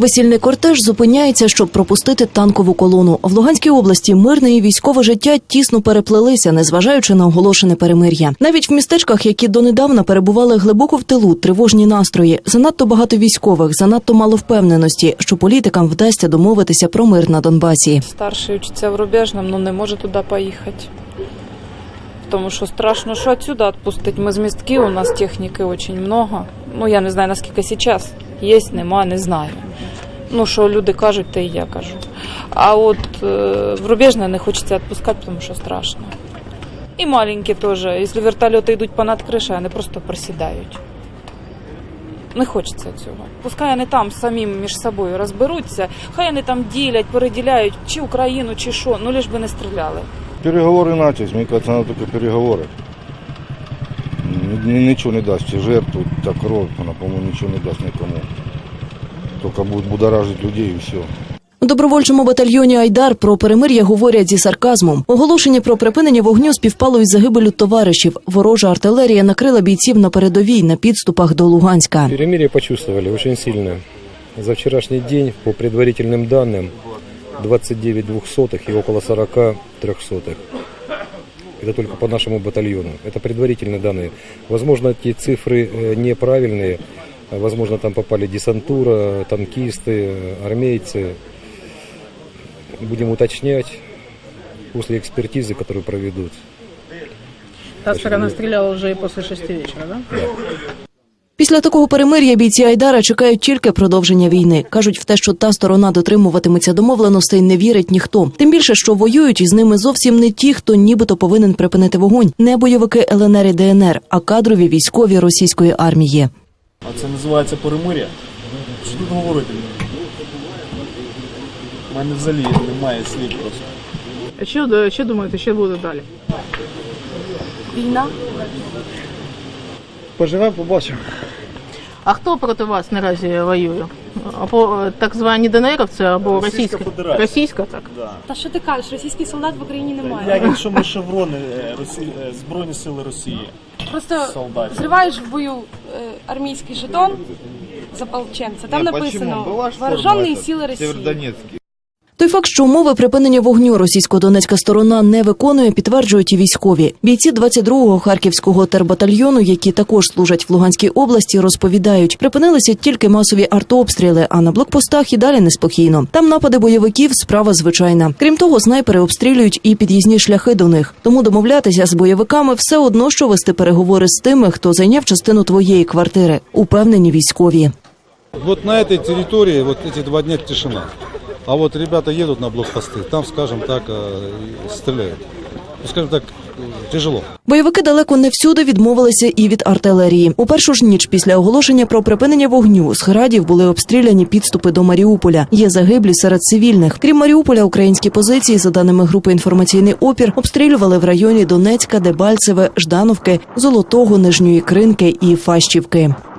Весільний кортеж зупиняється, щоб пропустити танкову колону. В Луганській області мирне і військове життя тісно переплелися, незважаючи на оголошене перемир'я. Навіть в містечках, які донедавна перебували глибоко в тилу, тривожні настрої. Занадто багато військових, занадто мало впевненості, що політикам вдасться домовитися про мир на Донбасі. Старший вчиться в Рубежному, але не може туди поїхати. Тому що страшно, що відсюди відпустити. Ми з містків, у нас техніки дуже багато. Я не знаю, наскільки зараз. Є, нема, не знаю. Що люди кажуть, те і я кажу. А от в Рубежне не хочеться відпускати, тому що страшно. І маленькі теж. Якщо вертольоти йдуть понад кришу, вони просто просідають. Не хочеться цього. Пускай вони там самі між собою розберуться, хай вони там ділять, переділяють, чи Україну, чи що, лиш би не стріляли. Переговори начались, мені кажется, треба тільки переговори. Нічого не дасть, жертву, та кров, вона, по-моєму, нічого не дасть нікому. Тільки буде будоражити людей і все. У добровольчому батальйоні «Айдар» про перемир'я говорять зі сарказмом. Оголошення про припинення вогню співпало із загибеллю товаришів. Ворожа артилерія накрила бійців на передовій, на підступах до Луганська. Перемир'я почувствовали дуже сильно. За вчорашній день, по предварительним даним, 29 двухсотых и около 40 трехсотых. Это только по нашему батальону. Это предварительные данные. Возможно, эти цифры неправильные. Возможно, там попали десантура, танкисты, армейцы. Будем уточнять после экспертизы, которую проведут. Та сторона стреляла уже и после 6 вечера, да? Да. Після такого перемир'я бійці «Айдара» чекають тільки продовження війни. Кажуть, в те, що та сторона дотримуватиметься домовленостей, не вірить ніхто. Тим більше, що воюють із ними зовсім не ті, хто нібито повинен припинити вогонь. Не бойовики ЛНР і ДНР, а кадрові військові російської армії. А це називається перемир'я? Що тут говорити? У мене взагалі немає слів просто. А що думаєте, що буде далі? Війна. Поживемо, побачимо. А хто проти вас наразі воює? Або так звані ДНРівці, або російська, так? Да. Та що ти кажеш, російських солдат в Україні немає. Як якщо ми шеврони Збройні сили Росії. Просто солдатів. зриваєш в бою армійський жетон з ополченця, там написано «Вооружені сили Росії». Той факт, що умови припинення вогню російсько-донецька сторона не виконує, підтверджують і військові. Бійці 22-го Харківського тербатальйону, які також служать в Луганській області, розповідають, припинилися тільки масові артобстріли, а на блокпостах і далі неспокійно. Там напади бойовиків – справа звичайна. Крім того, снайпери обстрілюють і під'їзні шляхи до них. Тому домовлятися з бойовиками все одно, що вести переговори з тими, хто зайняв частину твоєї квартири. Упевнені військові. Вот на этой территории вот эти 2 дня тишина. А вот ребята едут на блокпосты, там, скажем так, стреляют. Скажем так, тяжело. Бойовики далеко не всюди відмовилися і від артилерії. У першу ж ніч після оголошення про припинення вогню з градів були обстріляні підступи до Маріуполя. Є загиблі серед цивільних. Крім Маріуполя, українські позиції, за даними групи «Інформаційний опір», обстрілювали в районі Донецька, Дебальцеве, Ждановки, Золотого, Нижньої Кринки і Фащівки.